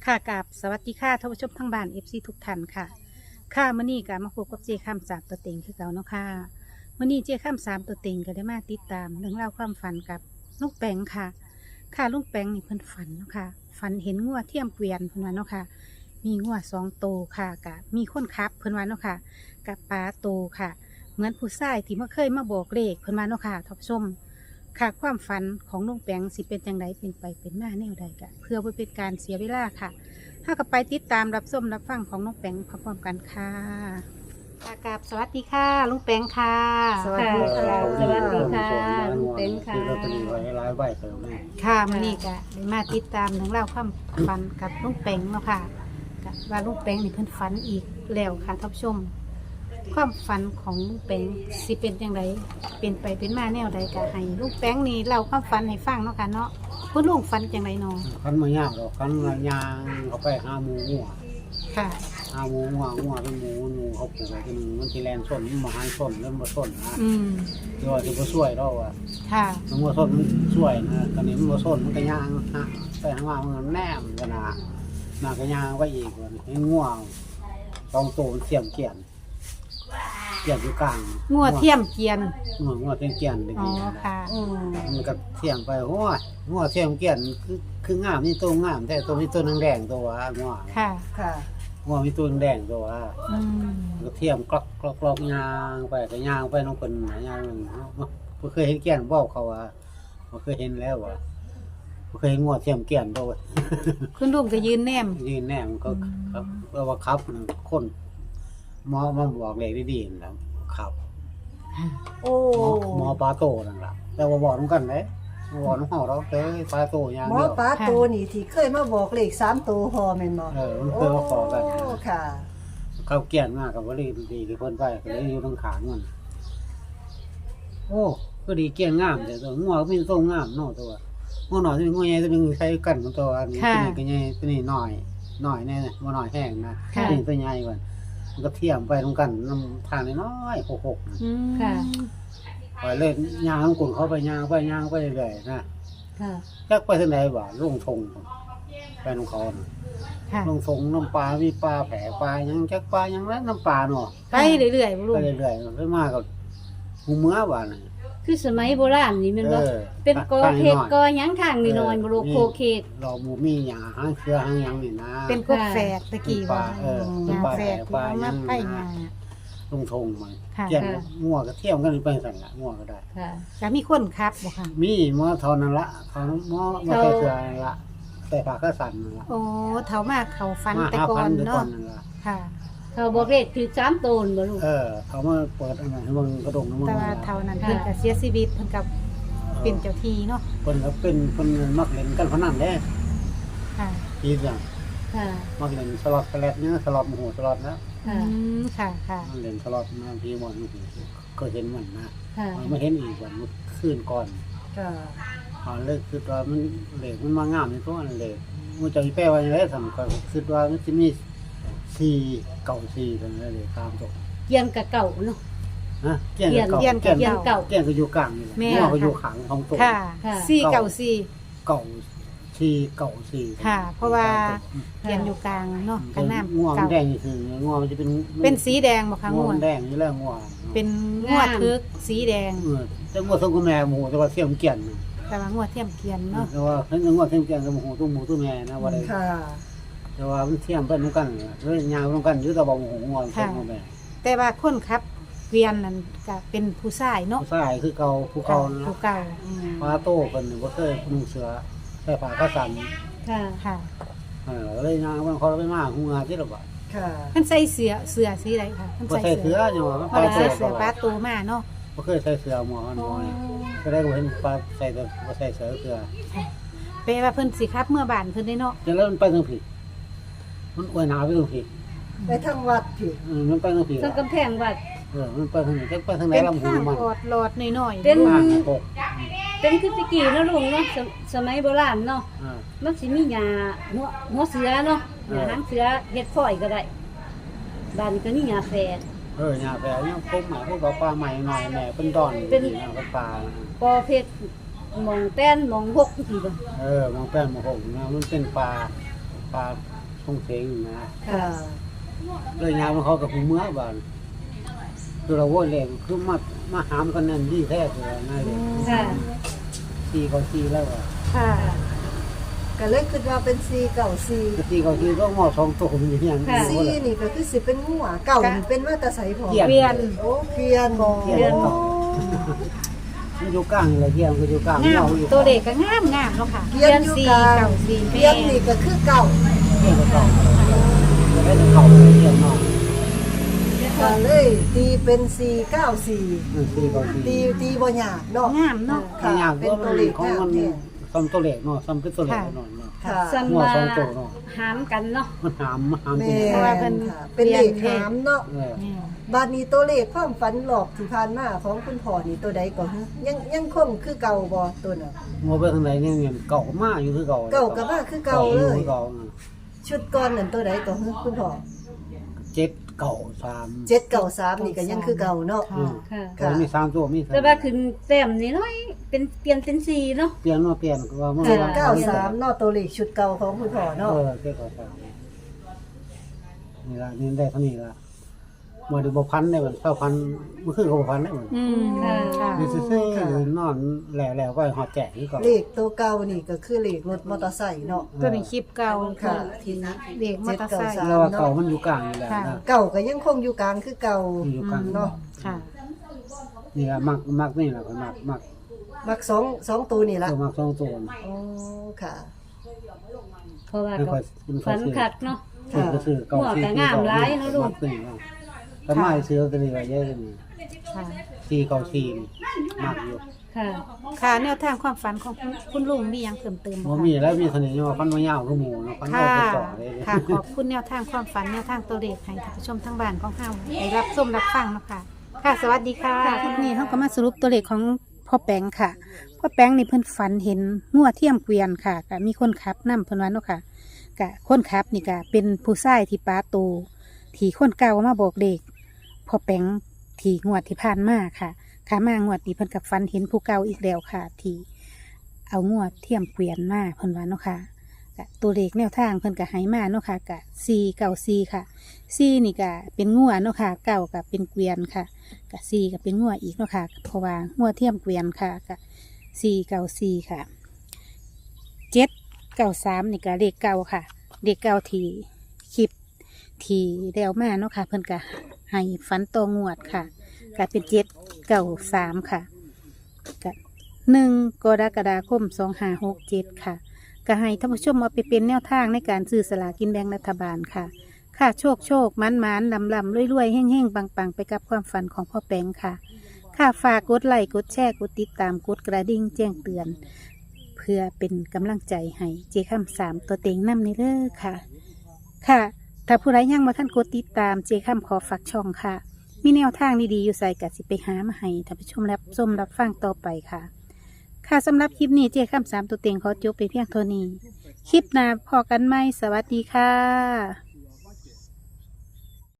ค่ะกับสวัสดีค่ะท่านผู้ชมทั้งบ้านเอฟซีทุกท่านค่ะค่ะมื้อนี้ก็มาพบกับเจข้ามสามตัวเต็งคือเก่าเนาะค่ะมื้อนี้เจข้ามสามตัวเต็งก็ได้มาติดตามเรื่องราวความฝันกับลุงแปงค่ะค่ะลุงแปงนี่เพิ่นฝันเนาะค่ะฝันเห็นงัวเทียมเกวียนเพิ่นว่าเนาะค่ะมีงัวสองโตวค่ะกับมีคนขับเพิ่นว่าเนาะค่ะกับปลาโตวค่ะ เหมือนผู้ชายที่มาเคยมาบอกเลขเพิ่นว่าเนาะค่ะท่านผู้ชม ค่ะความฝันของลุงแปงสิเป็นจังไดเป็นไปเป็นมาแนวใดกะเพื่อบ่เป็นการเสียเวลาค่ะถ้ากับไปติดตามรับชมรับฟังของลุงแปงพร้อมๆกันค่ะค่ะกับสวัสดีค่ะลุงแปงค่ะสวัสดีค่ะสวัสดีค่ะลุงเต็งค่ะซื้อลอตเตอรี่ไว้หลายใบเติมแม่ค่ะมื้อนี้ก็ได้มาติดตามเรื่องราวความฝันกับลุงแปงเนาะค่ะกะว่าลุงแปงนี่เพิ่นฝันอีกแล้วค่ะท่านผู้ชม ความฝันของลุงแปงสิเป็นจังไดเป็นไปเป็นมาแนวใดกะให้ลุงแปงนี่เล่าความฝันให้ฟังเนาะค่ะเนาะคุณลุงฝันจังไดเนาะคันมายากหรอกคันมายางเขาไปหาหมูงัวค่ะหาหมูงัวเป็นหมูเขาปลูกไว้ที่นึงมันสิแลนส้นมันมาหันส้นเริ่มบ่ส้นนะอืมที่ว่าสิบ่ช่วยเราอ่ะค่ะมันบ่ส้นมันช่วยนะตอนนี้มันบ่ส้นมันก็ย่างฮะไปหามามันแนมกันนะน่าก็ย่างไว้อีกว่าเห็นงัวสองตัวมันเสียมเกี่ยนอยู่กลางงัวเทียมเกรียนงัวเทียมเกี่ยนอ๋อค่ะมันก็เทียมไปโอ้ยงัวเทียมเกี่ยนคืองามนี่ตัวงามแต่ตัวนี้ตัวแดงๆตัวว่างัวค่ะค่ะงัวมีตัวแดงตัวว่าอืมก็เทียมกรอกยางไปก็ยางไปน้องคนยางบ่เคยเห็นเกี่ยนบอกเขาว่าบ่เคยเห็นแล้วว่าบ่เคยเห็นงัวเทียมเกี่ยนตัวคุณลุงก็ยืนแนมยืนแนมก็ครับว่าครับคนหมอมาบอกเลขดีๆแล้วครับโอ้หมอปลาโตนั่นล่ะแต่ว่าบอกนำกันเด้บอกน้องเฮาเราเด้ปลาโตอย่างหมอเดียวป้าตูนี่ที่เคยมาบอกเลข3ตัวพอแม่นบ่มันเคยมาขอกันโอ้ค่ะเขาเกี่ยนมากกับว่าดีที่คนไปก็เลยอยู่ตรงขางมันโอ้ก็ดีเกี่ยนงามแต่ตัวงัวก็มีตัวงามเนาะตัวงัวหน่อยตัวงัวใหญ่ตัวนึงใช้กันของตัวอันนี้ตัวนี้ก็ใหญ่ตัวนี้น้อยแน่บ่น้อยแห้งนะตัวนี้ตัวใหญ่กว่ามันก็เทียมไปตรงกันน้ำทางน้อยๆหกอืมค่ะไปเล่นยางกุ่นเขาไปยางไปเรื่อยๆนะค่ะจักไปทางไหนบ่ลงทงไปของเขาค่ะลงทงน้ำปลามีปลาแผลปลายังจักปลายังนั้นน้ำปลาเนาะไปเรื่อยๆบ่ลุไปงเรื่อยๆไปมากับหูเมื่อวานคือสมัยโบราณนี่แมันบ่เป็นกอเพกกอหยังทางนี่นอนบ่ลูกโคเคกเราหมูมีหยาหางเครือหางหยังนี่นะเป็นกบแฝดตะกี้ว่าเป็นปลาแฝดปลาที่เอามาไผ่งาลงทงมาค่ะเกี่ยนงัวก็เที่ยวกันไปสั่นละงัวก็ได้ค่ะจะมีคนครับบ่ค่ะมีหมอเท่านั้นละเท่านั้นหมอมาใส่เสื้อนั่นละใส่ผ้าก็สั่นนั่นละโอ้เฒ่ามากเขาฟันมาแต่หาก่อพันนแต่ก่อเนาะนนั่นละค่ะเขาบอกเลขคือ3ตัวบ่ลูกเขามาเปิดอันนั้นให้มึงกระดงให้มึงแต่ว่าเฒ่านั้นเพิ่นก็เสียชีวิตเพิ่นกับเป็นเจ้าที่เนาะคนก็เป็นคนมักเล่นกันพนันเด้ค่ะทีเดียวค่ะมักเล่นสล็อตสแลตเนี่ยสล็อตโมโหสล็อตนะอืค่ะมค่ะค่ะมันเล่นสล็อตมาพี่หมดก็เห็นมันนะค่ะไม่เห็นอีกวันมันคืนก่อนค่ะเลิกคือว่ามันเหล็กมันมางามในตัวนั้นเหล็กมันจะมีแปลว่าอย่างไรสำคัญคือว่ามันจะมี4 9 4กันเลยตามตัวเกียงกับเก่าเนาะนะเกี่ยงเกี่ยงก็อยู่กลางนี่หัวก็อยู่ขังของตัวค่ะค่ะ 494 เก่า4 ค่ะ เพราะว่าเขียนอยู่กลางเนาะกันน้ำง่วงเก่าแดงนี่คือง่วงมันจะเป็นเป็นสีแดงบ่คะง่วงแดงนี่แหละง่วงเป็นงวดทึกสีแดงแต่ง่วงทรงกับแม่หมูแต่ว่าเสี่ยมเกี่ยนแต่ว่างวดเทียมเกียนเนาะแต่ว่าเพิ่นง่วงเสี่ยมเกี่ยนกับหมูตัวแม่นะว่าได้ค่ะแต่ว่ามันเทียมไปเหมือนกันเลยยาวเหมือนกันอยู่แต่บ่หมูง่วงตัวแม่แต่ว่าคนครับเกวียนนั่นก็เป็นผู้ชายเนาะผู้ชายคือเก่าผู้เก่านะผู้เก่าปลาโตเพิ่นบ่เคยนุ่งเสื้อใส่ผ้ากระสันค่ะค่ะเลยยางมันเขาไปมาหูงาที่ละบาดค่ะเพิ่นใส่เสื้อสีใดค่ะเพิ่นบ่ใส่ใส่เสื้เสื้ออจังว่าเพิ่นใส่เสื้อปลาตูมาเนาะบ่เคยใส่เสื้อหมอมันบ่นี่ก็ได้เห็นปลาใส่แต่บ่ใส่เสื้อแปลว่าเพิ่นสิครับเมื่อบ้านเพิ่นได้เนาะจะแล้วมันไปทางผิดมันอวยหนาไปทางผิดไปทางวัดพี่มันไปทางผิดทั้งกำแพงวัดมันไปทางไหนจะไปทางไหนเป็นลำหูข้างมันออดหลอดน้อยๆเป็นข้างหกเป็นคือตะกี้เนาะลุงเนาะสมัยโบราณเนาะอ่ามันสิมีหญ้าหัวเสือเนาะหญ้าหางเสือเฮ็ดฝอยก็ได้บ้านนี้ก็มีหญ้าแฝดหญ้าแฝดเนี่ยพวกหมาพวกปลาใหม่หน่อยแม่เป็นดอนเป็นปลาปอเพชรหมองแต้นหมองหกจังซี่บ่มองแป้นมองหกนะมันเป็นปลาปลาส่งเสียงนะค่ะเลยยามมันเขากับหูเมื่อบานคือเราโว้ยแรงคือมาหามกันนั่นดีแท้เลยง่ายเลยค่ะตีเขาตีแล้วอ่ะค่ะก็เลยคิดว่าเป็น4 9 4 ตีเขาตีก็หม้อสองตัวมันอย่างนี้ 4นี่ก็คือสิเป็นงัวเก่านี่เป็นมาแตาไสพอเกียนเปลี่ยนโอ้เปลี่ยนบ่เกียนเก่ามันอยู่กลางเลยเกียนก็อยู่กลางงามอยู่ตัวเด็กก็งามงามเนาะค่ะเปลี่ยนอยู่สี่กลางเก่าสี่เปลี่ยนนี่ก็คือเก่าเกียนก็เก่าจะได้เก่าเกียนเนาะก็เลยตีเป็น4 9 4 ตีเขาตีตีบ่ยากเนาะงามเนาะค่ะอย่างเป็นก็ตัมัวน เลขของงามมันแท้ซ้ำตัวเล็กเนาะซ้ำคือตัวเล็กเนาะค่ะซัมหัวมาสองตัวเนาะหามกันเนาะมันหามแม่ตีเพราะว่าเพิ่นค่ะเป็นเลขหามเนาะเออบาดนี้ตัวเลขความฝันหลอกที่ผ่านมาของคุณพ่อนี่ตัวใดก่อนฮะยังคงคือเก่าบ่ตัวน่ะมัวไปทางไหนเนี่ยเก่ามากอยู่คือเก่าเก่าก็ว่าคือเก่าเลยเก่าชุดก่อนนั่นตัวใดก่อนฮะคุณพ่อ 7 เก่า 7 9 3นี่ก็ยังคือเก่าเนาะ 3 ค่ะก็มี3ตัวมีแต่ว่าขึ้นแต้มนิดหน่อยเป็นเปลี่ยนเป็นสี่เนาะเปลี่ยนว่าเปลี่ยนว่ามัน 7 9 3เนาะตัวเลขชุดเก่าของคุณพ่อเนาะเจ็ดเก่า3นี่ล่ะนี่ได้เท่านี้ล่ะมาดูบ่พันได้มันเท่าพันมันคือบ่พันได้มันอืมค่ะนี่ซื่อๆนอนแหล่ๆไว้ฮอดแจกนี่ก่อนเลขตัวเก่านี่ก็คือเลขรถมอเตอร์ไซค์เนาะตัวนี้คลิปเก่าค่ะที่เด็กมอเตอร์ไซค์ 793 แล้วว่าเก่ามันอยู่กลางนี่แหละค่ะนะเก่าก็ยังคงอยู่กลางคือเก่าอยู่กลางเนาะค่ะนี่ล่ะมักนี่ล่ะก็มักมัก2ตัวนี่ล่ะตัวมัก2ตัวโอ้ค่ะเพราะว่าไม่ก็ค่อยฝันคักเนาะก็ซื้อเก่าหัวก็งามหลายเนาะลูกก็มาซื้อตัวนี้ไว้เยอะนี่ค่ะ 4เก่า4นี่มักอยู่ค่ะค่ะแนวทางความฝันของคุณลุงมีหยังเพิ่มเติมบ่บ่คะมีแล้วมีเสน่ห์ว่าฟันบ่ยาวคือหมูเนาะฟันค่ะเอาไปต่อเลยค่ะ ขอบคุณแนวทางความฝันแนวทางตัวเลขให้ท่านผู้ชมทั้งบ้านของเฮาได้รับชมรับฟังเนาะค่ะ ค่ะ สวัสดีค่ะคลิปนี้เฮาก็มาสรุปตัวเลขของพ่อแปงค่ะ พ่อแปงนี่เพิ่นฝันเห็นงัวเทียมเกวียนค่ะก็มีคนขับนำเพิ่นว่าเนาะค่ะก็คนขับนี่ก็เป็นผู้ชายที่ป้าโตที่คนเก่ามาบอกเลขพ่อแปงที่งวดที่ผ่านมาค่ะขามางวดนี้เพิ่นกับฝันเห็นผู้เก่าอีกแล้วค่ะ ที่เอางัวเทียมเกวียนมาเพิ่นว่าเนาะค่ะ ก็ตัวเลขแนวทางเพิ่นก็ให้มาเนาะค่ะก็494ค่ะ4นี่ก็เป็นงัวเนาะค่ะ9ก็เป็นเกวียนค่ะก็4ก็เป็นงัวอีกเนาะค่ะเพราะว่างัวเทียมเกวียนค่ะก็494ค่ะ793นี่ก็เลขเก่าค่ะเลขเก่าที่คลิปที่แล้วมาเนาะค่ะเพิ่นก็ให้ฝันตองวดค่ะก็เป็น793ค่ะก็1 กรกฎาคม 2567ค่ะ ก็ให้ท่านผู้ชมเอาไปเป็นแนวทางในการซื้อสลากกินแบ่งรัฐบาลค่ะ ค่ะโชคมันลำรวยแห้งปังไปกับความฝันของพ่อแปงค่ะ ค่ะฝากกดไลค์กดแชร์กดติดตามกดกระดิ่งแจ้งเตือน เพื่อเป็นกำลังใจให้เจคำ3ตัวเต็งนำในเด้อค่ะ ค่ะ ถ้าผู้ใดยังมาท่านกดติดตามเจคำขอฝากช่องค่ะ มีแนวทางดีๆอยู่ใส่กัสิไปหามาให้ท่านผู้ชมรับฟังต่อไปค่ะ ค่ะสำหรับคลิปนี้เจ๊ข้าม3ตัวเต็งขอจบไปเพียงเท่านี้ คลิปหน้าพอกันไหมสวัสดีค่ะ